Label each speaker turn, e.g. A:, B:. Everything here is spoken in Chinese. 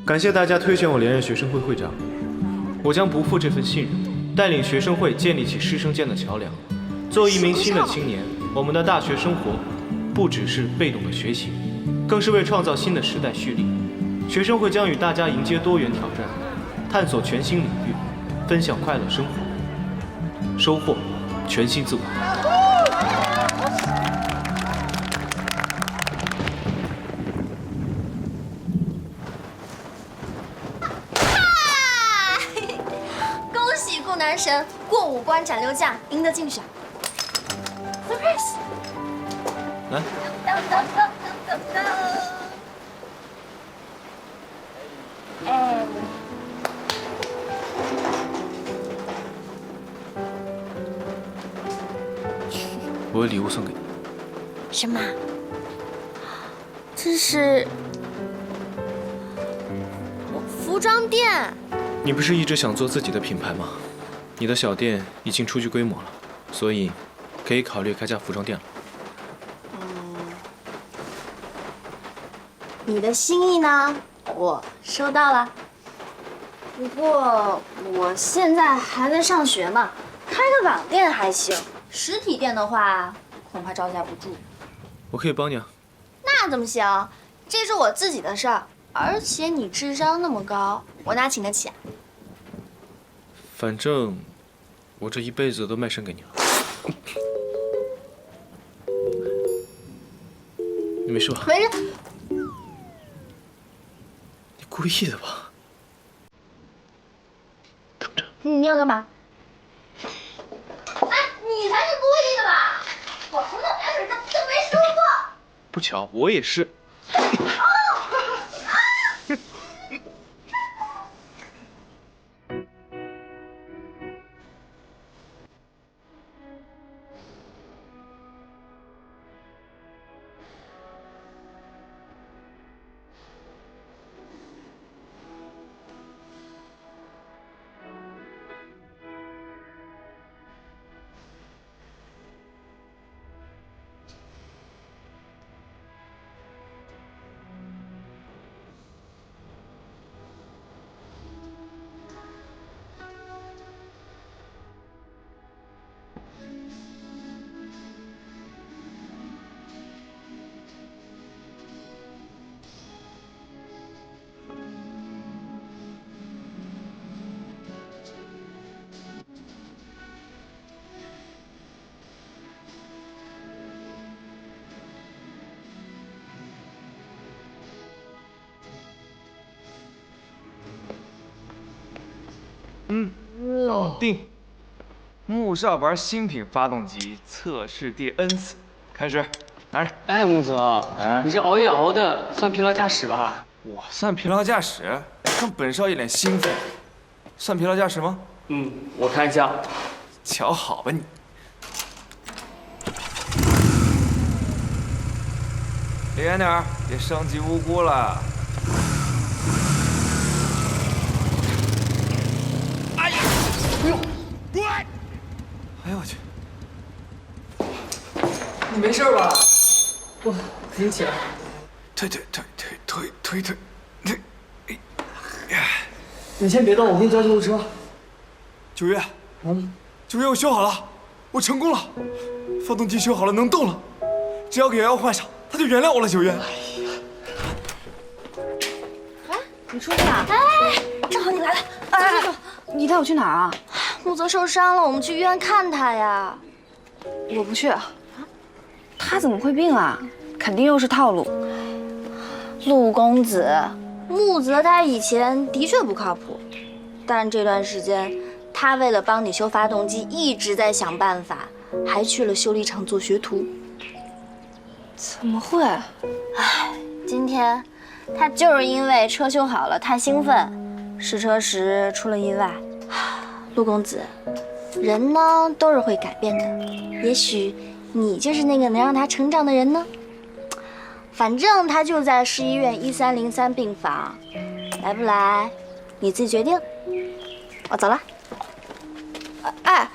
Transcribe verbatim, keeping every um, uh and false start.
A: 感谢大家推选我连任学生会会长，我将不负这份信任，带领学生会建立起师生间的桥梁。作为一名新的青年，我们的大学生活不只是被动的学习，更是为创造新的时代蓄力。学生会将与大家迎接多元挑战，探索全新领域，分享快乐生活，收获全新自我。
B: 男神过五关斩六将，赢得竞选。Surprise！
A: 来，
B: 当当当当当！哎，
A: 我有礼物送给你。
B: 什么？这是服装店。
A: 你不是一直想做自己的品牌吗？你的小店已经初具规模了，所以可以考虑开家服装店了。
B: 嗯，你的心意呢？我收到了。不过我现在还在上学嘛，开个网店还行，实体店的话恐怕招架不住。
A: 我可以帮你啊。
B: 那怎么行？这是我自己的事儿，而且你智商那么高，我哪请得起啊？
A: 反正我这一辈子都卖身给你了。你没事吧？
B: 没事。
A: 你故意的吧？等着。
B: 你要干嘛？哎，你才是故意的吧？我从小开始就就没说过。
A: 不巧，我也是。
C: 嗯，搞定。木少玩新品发动机测试第 N 次，开始，拿着。
D: 哎，木泽，哎，你这熬夜熬的，算疲劳驾驶吧？
C: 我算疲劳驾驶？看本少一脸兴奋，算疲劳驾驶吗？
D: 嗯，我看一下。
C: 瞧好吧你。离远点，别伤及无辜了。哎呀！哎呦！哎呦我去！
D: 你没事吧？我扶你起来。
C: 推推推推推推推推！哎，
D: 你先别动，我给你叫救护车。
C: 九月，嗯，九月我修好了，我成功了，发动机修好了，能动了。只要给瑶瑶换上，她就原谅我了。九月。
E: 哎，你出去啊？
B: 哎，正好你来了。
E: 哎，你带我去哪儿啊？
B: 木泽受伤了，我们去医院看他呀。
E: 我不去。他怎么会病啊？肯定又是套路。
B: 陆公子，木泽他以前的确不靠谱，但这段时间他为了帮你修发动机，一直在想办法，还去了修理厂做学徒。
E: 怎么会？
B: 唉，今天他就是因为车修好了太兴奋，试车时出了意外。陆公子，人呢都是会改变的，也许你就是那个能让他成长的人呢。反正他就在市医院一三零三病房，来不来你自己决定。我走了。
E: 哎。